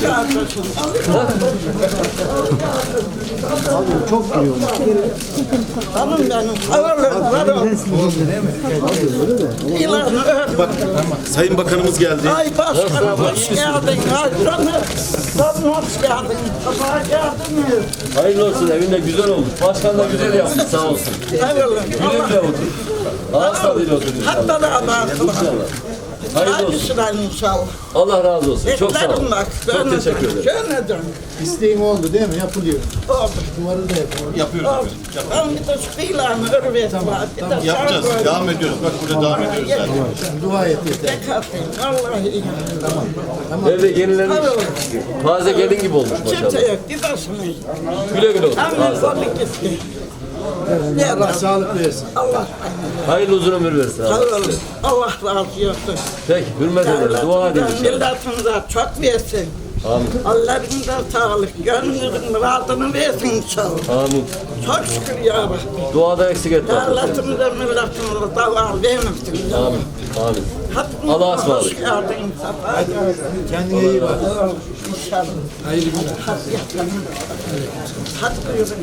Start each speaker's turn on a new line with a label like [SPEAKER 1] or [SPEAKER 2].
[SPEAKER 1] Çok duruyor.
[SPEAKER 2] Hanım benim.
[SPEAKER 3] Bak, Sayın Bakanımız geldi.
[SPEAKER 2] Ay başkanım hoş geldin. Ay canım. Canım hoş geldin. Sabah geldiniz.
[SPEAKER 4] Hayırlı olsun, evinde güzel olmuş. Başkan da güzel yapmış, sağ olsun.
[SPEAKER 2] Eyvallah.
[SPEAKER 4] Güle güle otur. Ağız tadıyla otur inşallah.
[SPEAKER 2] Hatta da abartılar.
[SPEAKER 4] Hayırlı
[SPEAKER 2] Hadi
[SPEAKER 4] olsun.
[SPEAKER 2] sıra inşallah.
[SPEAKER 4] Allah razı olsun. Çok sağ olun.
[SPEAKER 2] Beklerim bak.
[SPEAKER 4] Çok teşekkür ederim.
[SPEAKER 2] Şöyle
[SPEAKER 1] İsteğin oldu değil mi? Yapılıyor.
[SPEAKER 2] oldu.
[SPEAKER 1] Duvarı da yapıyor.
[SPEAKER 3] Yapıyoruz.
[SPEAKER 2] Oldu. Ben bir de şu kıyılarını örüver. Tamam.
[SPEAKER 3] Yapacağız. Devam ediyoruz. Bak burada devam ediyoruz zaten.
[SPEAKER 1] Sen dua et yeter.
[SPEAKER 2] Vallahi iyi.
[SPEAKER 4] Evde yenilenmiş. Taze gelin gibi olmuş
[SPEAKER 2] Kimse
[SPEAKER 4] maşallah.
[SPEAKER 2] yok. Bir başımayız.
[SPEAKER 4] Güle güle otur.
[SPEAKER 2] Amin.
[SPEAKER 4] Ağız tadıyla.
[SPEAKER 2] Kolluk gitti.
[SPEAKER 1] Allah sağlık versin.
[SPEAKER 2] Allah.
[SPEAKER 4] Hayırlı uzun ömür versin.
[SPEAKER 2] Sağ
[SPEAKER 4] Allah.
[SPEAKER 2] olun. Allah razı olsun.
[SPEAKER 4] Peki, hürmet ederiz. Dua edin inşallah.
[SPEAKER 2] Milletimize çok versin.
[SPEAKER 4] Amin.
[SPEAKER 2] Allah'ımıza sağlık. Gönlünüzün muradını versin inşallah.
[SPEAKER 4] Amin.
[SPEAKER 2] Çok şükür ya Rabbi.
[SPEAKER 4] Duada eksik etme.
[SPEAKER 2] Devletimize, milletimize davar vermesin.
[SPEAKER 4] Amin. Amin.
[SPEAKER 2] Hadi
[SPEAKER 4] Allah'a ısmarladık.
[SPEAKER 2] hoş geldin. Safa geldin.
[SPEAKER 1] Kendine iyi bak.
[SPEAKER 2] İnşallah.
[SPEAKER 1] Hayırlı günler.
[SPEAKER 2] Hadi yatalım. Hadi buyurun.